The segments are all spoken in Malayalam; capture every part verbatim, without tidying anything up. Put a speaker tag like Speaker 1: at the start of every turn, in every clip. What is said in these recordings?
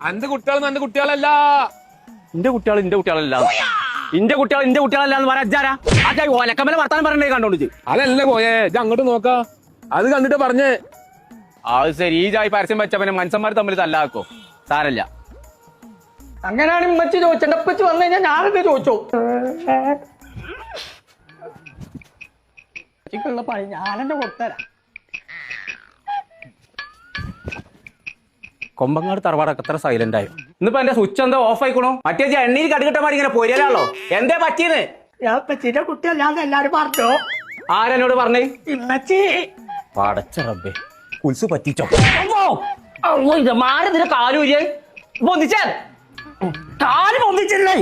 Speaker 1: അന്റെ കുട്ടികൾ എന്റെ കുട്ടികളല്ല.
Speaker 2: എന്റെ കുട്ടികൾ എന്റെ കുട്ടികളല്ല ഇന്റെ കുട്ടികൾ എന്റെ കുട്ടികളല്ല എന്ന് പറയാ അജാരാ അജാ ഓലക്കമ്മല വർത്താനം പറഞ്ഞേ കണ്ടോണ്ട്.
Speaker 1: അതല്ല കോയെ ഇത് അങ്ങോട്ട് നോക്കാ. അത് കണ്ടിട്ട് പറഞ്ഞേ.
Speaker 2: അത് ശരി. ഈ ജായി പരസ്യം വെച്ച പിന്നെ മനുഷ്യന്മാർ തമ്മിൽ തല്ലാക്കോ. സാരല്ല.
Speaker 3: അങ്ങനെയാണ് ഇമ്മച്ചി ചോദിച്ചെന്റെ ഉപ്പച്ചി വന്നു കഴിഞ്ഞാൽ ഞാനെന്ത് ചോദിച്ചോ. ഉള്ള പണി ഞാനെന്നെ കൊടുത്തരാം.
Speaker 2: കൊമ്പങ്ങാട് തറവാടൊക്കെ എത്ര സൈലന്റ് ആയോ. ഇന്നിപ്പോ എന്റെ സ്വിച്ച് എന്താ ഓഫ് ആയിക്കണോ. മറ്റേ എണ്ണയിൽ കടുകിട്ടമാരി ഇങ്ങനെ പൊരിയലാണല്ലോ. എന്തേ പറ്റിയത്?
Speaker 3: ഞാൻ ഉപ്പച്ചിന്റെ കുട്ടിയല്ലാന്ന് എല്ലാരും പറഞ്ഞു.
Speaker 2: ആരെന്നോട് പറഞ്ഞേ?
Speaker 3: ഇമ്മച്ചി.
Speaker 2: പടച്ച റബ്ബേ കുൽസ് പറ്റിച്ചോ. ഇത് മാരതിന്റെ കാലൂരിയെ പൊന്തിച്ചാൽ കാല് പൊന്തിച്ചല്ലേ.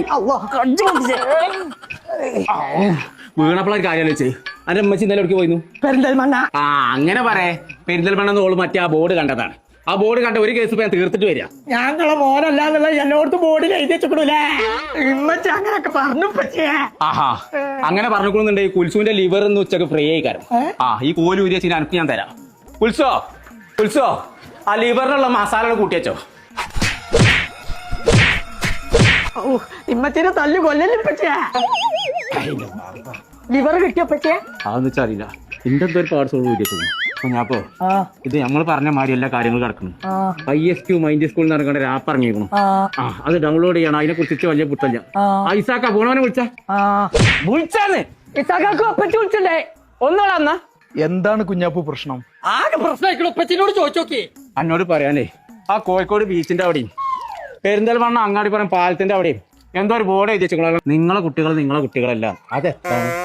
Speaker 2: വീണപ്പോഴ കാര്യം ആലോചിച്ചേ. അന്റെ അമ്മച്ചി ഇന്നലെ എവിടേക്ക് പോയിരുന്നു?
Speaker 3: പെരിന്തൽമണ്ണ.
Speaker 2: ആ അങ്ങനെ പറയേ. പെരിന്തൽമണ്ണ ഓള് മറ്റേ ആ ബോർഡ് കണ്ടതാണ്. ആ ബോർഡ് കണ്ട ഒരു കേസ് ഞാൻ തീർത്തിട്ട് വരിക.
Speaker 3: ഞങ്ങളെ മോനല്ലാന്നുള്ള എല്ലായിടത്തും ബോർഡിൽ എഴുതി വെച്ചിട്ടൂലേ. ഇമ്മച്ചി അങ്ങനെയൊക്കെ പറഞ്ഞു.
Speaker 2: ആഹാ അങ്ങനെ പറഞ്ഞുകൊള്ളുന്നുണ്ടെങ്കിൽ കുൽസുവിന്റെ ലിവർ എന്ന് ഉച്ചക്ക് ഫ്രീ ആയി കാരം. ആ ഈ കോല് ഊരി വെച്ച് എനിക്ക് ഞാൻ തരാം. കുൽസോ കുൽസോ ആ ലിവറിനുള്ള മസാല കൂട്ടി വെച്ചോ.
Speaker 3: ഇമ്മച്ചിനെ തല്ലു കൊല്ലല്ലേ പറ്റിയ. ലിവർ കിട്ടിയ പറ്റിയ
Speaker 2: അതെന്ന് വെച്ചാൽ അറിയില്ല. എന്റെ എന്തോ ഒരു പാർട്സ് ഊരി വെച്ചു. അപ്പൊ ഞാപ്പോ ഇത് നമ്മൾ പറഞ്ഞ മാതിരി എല്ലാ കാര്യങ്ങളും കിടക്കുന്നു. ഐ എസ് ക്യൂ മൈൻഡ് സ്കൂളിൽ നടക്കേണ്ട ആപ്പ് ഇറങ്ങിയിരിക്കണം. ആ അത് ഡൗൺലോഡ് ചെയ്യണം. അതിനെ കുറിച്ച് വലിയ പുത്തല്ല. ഐസാക്ക പോണവനെ വിളിച്ച വിളിച്ചാന്ന് ഇസാക്കാക്ക് ഒപ്പച്ച് വിളിച്ചല്ലേ ഒന്നോളാ.
Speaker 4: എന്താണ് കുഞ്ഞാപ്പു പ്രശ്നം?
Speaker 3: ആകെ പ്രശ്നമായിക്കണോ. ഒപ്പച്ചിനോട് ചോദിച്ചോക്കി.
Speaker 2: എന്നോട് പറയാനേ ആ കോഴിക്കോട് ബീച്ചിന്റെ അവിടെയും പെരിന്തൽമണ്ണ അങ്ങാടി പറഞ്ഞ പാലത്തിന്റെ അവിടെയും എന്തോ ഒരു ബോർഡ് എഴുതി വെച്ചോളാം. നിങ്ങളെ കുട്ടികൾ നിങ്ങളെ കുട്ടികളല്ല. അതെത്താ